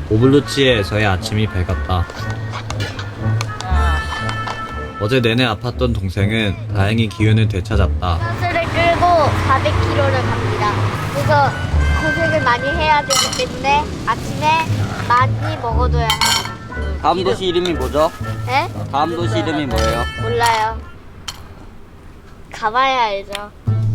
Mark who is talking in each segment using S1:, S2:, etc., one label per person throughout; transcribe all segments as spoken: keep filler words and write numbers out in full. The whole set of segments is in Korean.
S1: 오블루치에서의 아침이 밝았다. 어제 내내 아팠던 동생은 다행히 기운을 되찾았다.
S2: 버스를 끌고 사백 킬로미터를 갑니다. 그래서 고생을 많이 해야 되기 때문에 아침에 많이 먹어둬야 합니다.
S3: 다음 도시 이름이 뭐죠?
S2: 네?
S3: 다음 도시 이름이 뭐예요?
S2: 몰라요. 가봐야 알죠.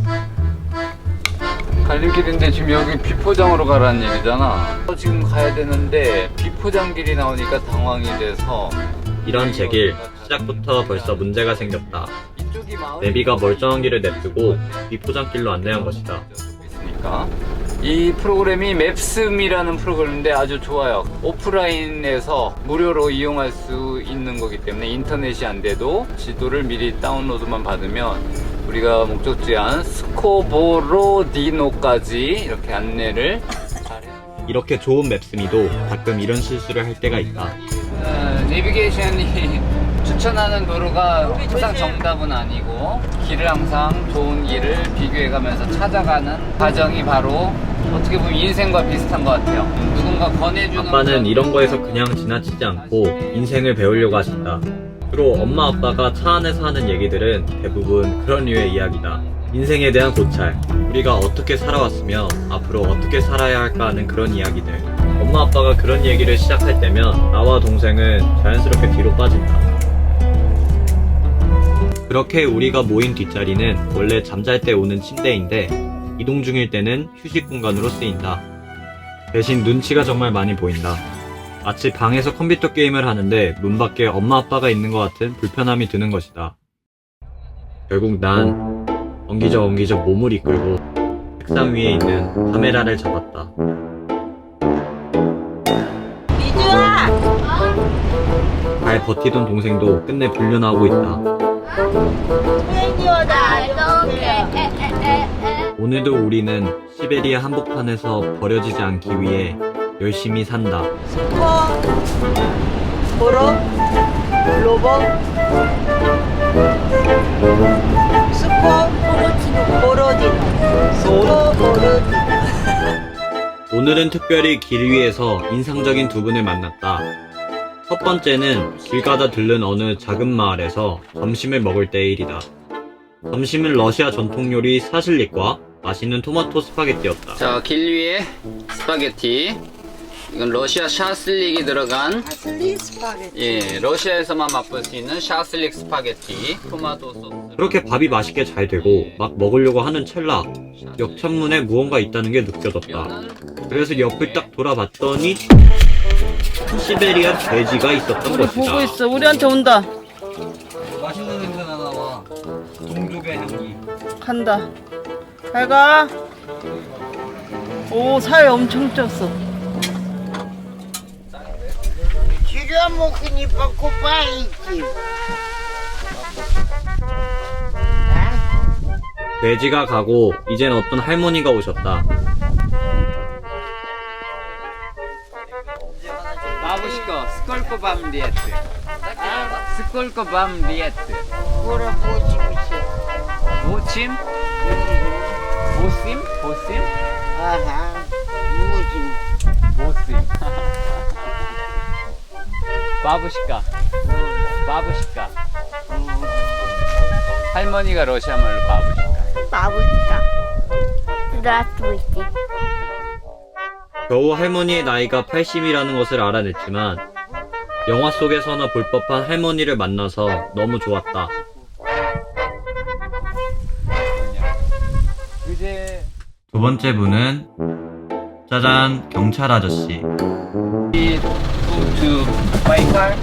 S4: 갈림길인데 지금 여기 비포장으로 가라는 얘기잖아. 지금 가야 되는데 비포장길이 나오니까 당황이 돼서
S1: 이런 제길, 시작부터 벌써 문제가 생겼다.
S4: 이쪽이 마을
S1: 내비가 멀쩡한 길을 냅두고 비포장길로 안내한 것이다.
S4: 있으니까 이 프로그램이 맵스미라는 프로그램인데 아주 좋아요. 오프라인에서 무료로 이용할 수 있는 거기 때문에 인터넷이 안 돼도 지도를 미리 다운로드만 받으면 우리가 목적지한 스코보로디노까지 이렇게 안내를 잘해.
S1: 이렇게 좋은 맵스미도 가끔 이런 실수를 할 때가 있다.
S4: 어, 내비게이션이 추천하는 도로가 항상 정답은 아니고 길을 항상 좋은 길을 비교해가면서 찾아가는 과정이 바로 어떻게 보면 인생과 비슷한 것 같아요. 누군가 권해주는
S1: 아빠는 이런 거에서 그냥 지나치지 않고 인생을 배우려고 하신다. 주로 엄마 아빠가 차 안에서 하는 얘기들은 대부분 그런 류의 이야기다. 인생에 대한 고찰, 우리가 어떻게 살아왔으며 앞으로 어떻게 살아야 할까 하는 그런 이야기들. 엄마 아빠가 그런 얘기를 시작할 때면 나와 동생은 자연스럽게 뒤로 빠진다. 그렇게 우리가 모인 뒷자리는 원래 잠잘 때 오는 침대인데 이동 중일 때는 휴식 공간으로 쓰인다. 대신 눈치가 정말 많이 보인다. 마치 방에서 컴퓨터 게임을 하는데 문 밖에 엄마 아빠가 있는 것 같은 불편함이 드는 것이다. 결국 난 엉기적 엉기적 몸을 이끌고 책상 위에 있는 카메라를 잡았다.
S5: 미주아!
S1: 잘 버티던 동생도 끝내 불륜하고 있다.
S2: I don't care. 에, 에, 에, 에.
S1: 오늘도 우리는 시베리아 한복판에서 버려지지 않기 위해 열심히 산다.
S5: 스코 보로 로보 스코 보로디노 스코 보로디노.
S1: 오늘은 특별히 길 위에서 인상적인 두 분을 만났다. 첫 번째는 길 가다 들른 어느 작은 마을에서 점심을 먹을 때의 일이다. 점심은 러시아 전통 요리 사실릭과 맛있는 토마토 스파게티였다.
S4: 자, 길 위에 스파게티. 이건 러시아 샤슬릭이 들어간
S5: 아슬리 스파게티.
S4: 예, 러시아에서만 맛볼 수 있는 샤슬릭 스파게티. 토마토 소스.
S1: 그렇게 밥이 맛있게 잘 되고 막 먹으려고 하는 찰나 역천문에 무언가 있다는 게 느껴졌다. 그래서 옆을 딱 돌아봤더니 시베리아 돼지가 있었던
S5: 우리
S1: 것이다.
S5: 보고 있어. 우리한테 온다.
S4: 맛있는 냄새가 나와. 동족의 향기.
S5: 간다. 잘 가. 오, 살 엄청 쪘어.
S6: Тебя мог и не покупаете.
S1: 돼지가 가고 이젠 어떤 할머니가 오셨다.
S4: Бабушка, сколько вам лет? Сколько вам лет?
S6: Скоро восемьдесят.
S4: Восемь? Восемь? Восемь?
S6: Ага, восемь.
S4: Восемь. 바부시카. 바부시카. 할머니가 러시아 말로 바부시카.
S2: Бабушка. Здравствуйте.
S1: 겨우 할머니의 나이가 팔십이라는 것을 알아냈지만 영화 속에서나 볼 법한 할머니를 만나서 너무 좋았다.
S4: 이제
S1: 두 번째 분은 짜잔, 경찰 아저씨.
S4: we go to 바이칼,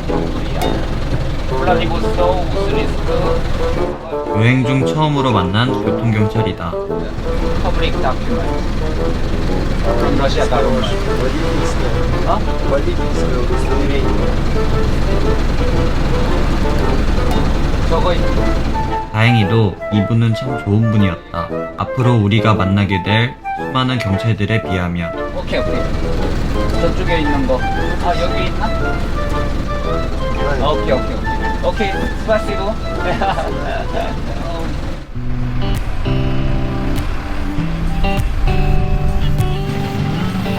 S4: 블라디보스토크, 우스리스크,
S1: 여행 중 처음으로 만난 교통경찰이다.
S4: public document from Russia government. 어? 저거
S1: 다행히도 이분은 참 좋은 분이었다. 앞으로 우리가 만나게 될 수많은 경찰들에 비하면
S4: 오케이 오케이 저쪽에 있는 거. 아 여기 있나? 아, 오케이 오케이 오케이 오케이 스파시고.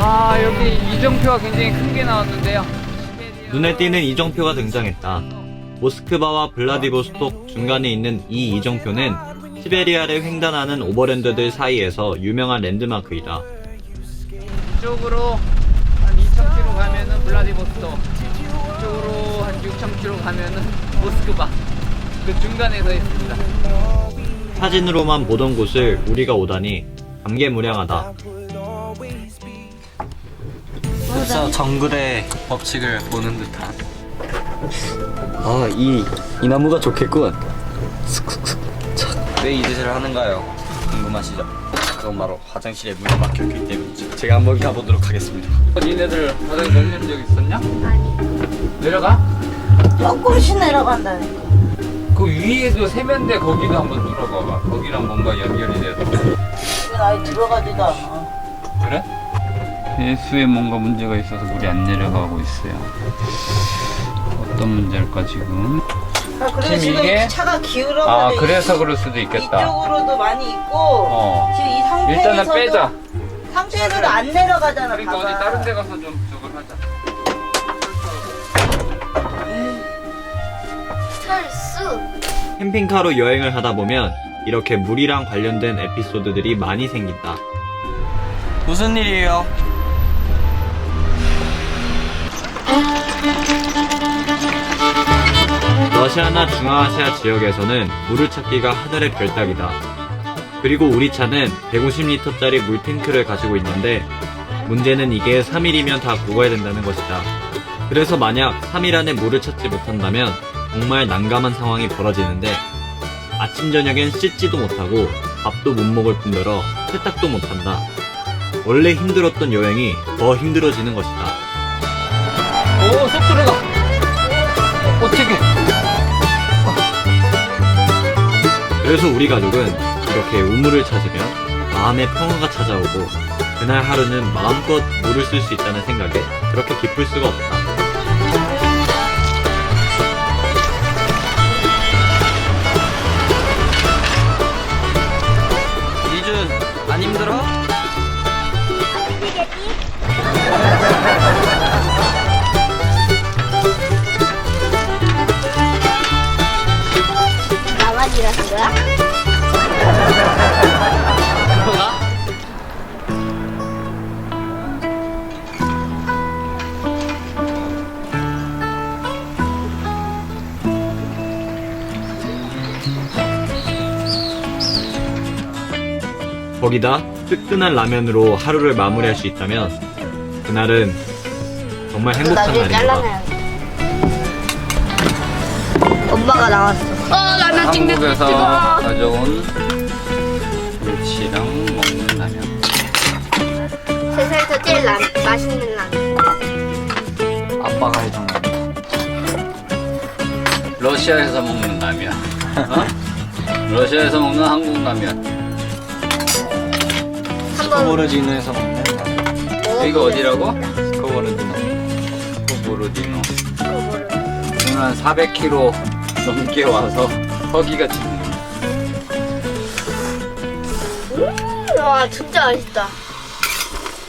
S4: 아, 여기 이정표가 굉장히 큰 게 나왔는데요.
S1: 눈에 띄는 이정표가 등장했다. 모스크바와 블라디보스톡 중간에 있는 이 이정표는 시베리아를 횡단하는 오버랜드들 사이에서 유명한 랜드마크이다.
S4: 이쪽으로 한 이천 킬로미터 가면은 블라디보스톡, 이쪽으로 한 육천 킬로미터 가면은 모스크바. 그 중간에 서 있습니다.
S1: 사진으로만 보던 곳을 우리가 오다니 감개무량하다.
S3: 그래서 정글의 법칙을 보는 듯한. 아, 이, 이 나무가 좋겠군. 왜 이 짓을 하는가요? 궁금하시죠? 그건 바로 화장실에 물이 막혔기 때문이죠. 제가 한번 가보도록 하겠습니다.
S4: 니네들 화장실 내려온 적 있었냐?
S2: 아니.
S4: 내려가?
S5: 조금씩 내려간다니까.
S4: 그 위에도 세면대 거기도 한번 뚫어봐봐. 거기랑 뭔가 연결이 돼서.
S5: 이건 아예 들어가지도 않아.
S4: 그래? 배수에 뭔가 문제가 있어서 물이 안 내려가고 있어요. 어떤 문제일까 지금?
S5: 아, 그리고
S4: 지금
S5: 지금
S4: 이게-
S5: 차가 기울어가지고
S4: 아, 그래서 그럴 수도 있겠다.
S5: 이쪽으로도 많이 있고
S4: 어.
S5: 지금 이 상태에서도
S4: 일단은 빼자.
S5: 상태에서도 안 내려가잖아.
S4: 그러니까
S5: 봐봐.
S4: 어디 다른 데 가서 좀 저걸 하자.
S2: 철수.
S1: 캠핑카로 여행을 하다 보면 이렇게 물이랑 관련된 에피소드들이 많이 생긴다.
S3: 무슨 일이에요?
S1: 러시아나 중앙아시아 지역에서는 물을 찾기가 하늘의 별따기다. 그리고 우리 차는 백오십 리터짜리 물탱크를 가지고 있는데 문제는 이게 삼 일이면 다 녹아야 된다는 것이다. 그래서 만약 삼 일 안에 물을 찾지 못한다면 정말 난감한 상황이 벌어지는데 아침 저녁엔 씻지도 못하고 밥도 못 먹을 뿐더러 세탁도 못한다. 원래 힘들었던 여행이 더 힘들어지는 것이다.
S4: 오, 쏙 들어가. 어떻게?
S1: 그래서 우리 가족은 이렇게 우물을 찾으면 마음의 평화가 찾아오고 그날 하루는 마음껏 물을 쓸 수 있다는 생각에 그렇게 기쁠 수가 없다.
S3: 이준, 안 힘들어?
S2: 나만 일하는 거야?
S4: 들어가?
S1: 거기다 뜨끈한 라면으로 하루를 마무리할 수 있다면 그날은 정말 행복한
S2: 나중에
S1: 날이다.
S2: 잘라내야겠다. 엄마가 나왔어. 어, 라면 찍는
S4: 한국에서
S2: 찍어.
S4: 가져온 멸치랑 먹는 라면.
S2: 세상에서 제일 라, 맛있는 라면.
S4: 아빠가 해준 라면. 러시아에서 먹는 라면. 어? 러시아에서 먹는 한국 라면.
S2: 한번
S3: 스코보르디노에서 먹는 라면.
S4: 여기가 어디라고?
S3: 스코보르디노.
S4: 스코보르디노. 오늘 한 사백 킬로미터 넘게 와서 허기가 지는.
S2: 와, 진짜 맛있다.